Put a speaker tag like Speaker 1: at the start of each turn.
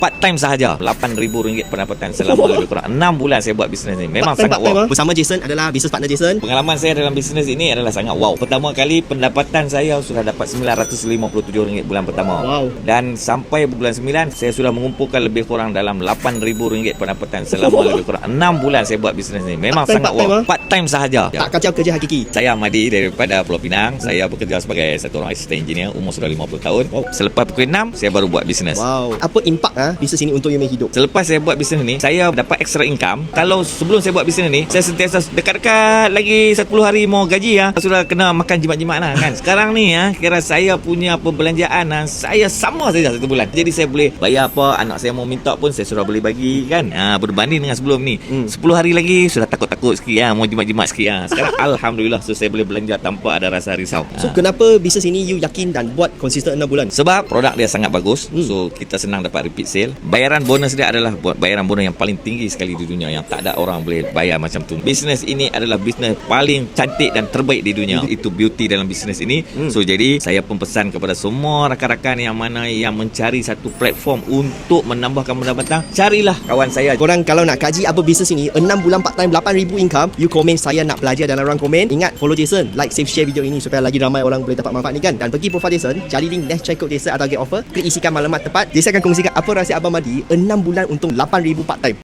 Speaker 1: Part time sahaja, RM8,000 pendapatan selama lebih kurang 6 bulan saya buat bisnes ni. Memang sangat wow.
Speaker 2: Bersama Jason adalah business partner Jason.
Speaker 1: Pengalaman saya dalam bisnes ini adalah sangat wow. Pertama kali pendapatan saya sudah dapat RM957 bulan pertama.
Speaker 2: Wow.
Speaker 1: Dan sampai bulan 9 saya sudah mengumpulkan lebih kurang dalam RM8,000 pendapatan selama lebih kurang 6 bulan saya buat bisnes ni. Memang sangat wow. Part time sahaja.
Speaker 2: Tak kacau kerja hakiki.
Speaker 1: Saya Ahmadi daripada Pulau Pinang. Saya bekerja sebagai satu orang asisten engineer, umur sudah 50 tahun. Selepas pukul 6 saya baru buat bisnes.
Speaker 2: Wow. Apa impak bisnes ini untuk you punya hidup?
Speaker 1: Selepas saya buat bisnes ni, saya dapat extra income. Kalau sebelum saya buat bisnes ni, saya sentiasa dekat-dekat lagi 10 hari mau gaji sudah kena makan jimat-jimat lah kan. Sekarang ni kira saya punya perbelanjaan saya sama saja 1 bulan. Jadi saya boleh bayar apa anak saya mau minta pun saya sudah boleh bagi kan. Berbanding dengan sebelum ni 10 hari lagi sudah takut-takut sikit mau jimat-jimat sikit Sekarang alhamdulillah saya boleh belanja tanpa ada rasa risau.
Speaker 2: So kenapa bisnes ini you yakin dan buat konsisten 6 bulan?
Speaker 1: Sebab produk dia sangat bagus. So kita senang dapat repeat sale. Bayaran bonus dia adalah bayaran bonus yang paling tinggi sekali di dunia, yang tak ada orang boleh bayar macam tu. Bisnes ini adalah bisnes paling cantik dan terbaik di dunia. Itu beauty dalam bisnes ini. So jadi saya pun pesan kepada semua rakan-rakan yang mana yang mencari satu platform untuk menambahkan pendapatan, carilah kawan saya.
Speaker 2: Korang kalau nak kaji apa bisnes ini 6 bulan part time RM8,000 income, you komen saya nak belajar dalam ruang komen. Ingat follow Jason, like, save, share video ini supaya lagi ramai orang boleh dapat manfaat ni kan. Dan pergi profile Jason, cari link dash check code Jason atau get offer, klik isikan maklumat tepat. Jason akan kongsikan apa rahsia Abang Madi 6 bulan untung RM8,000 part time.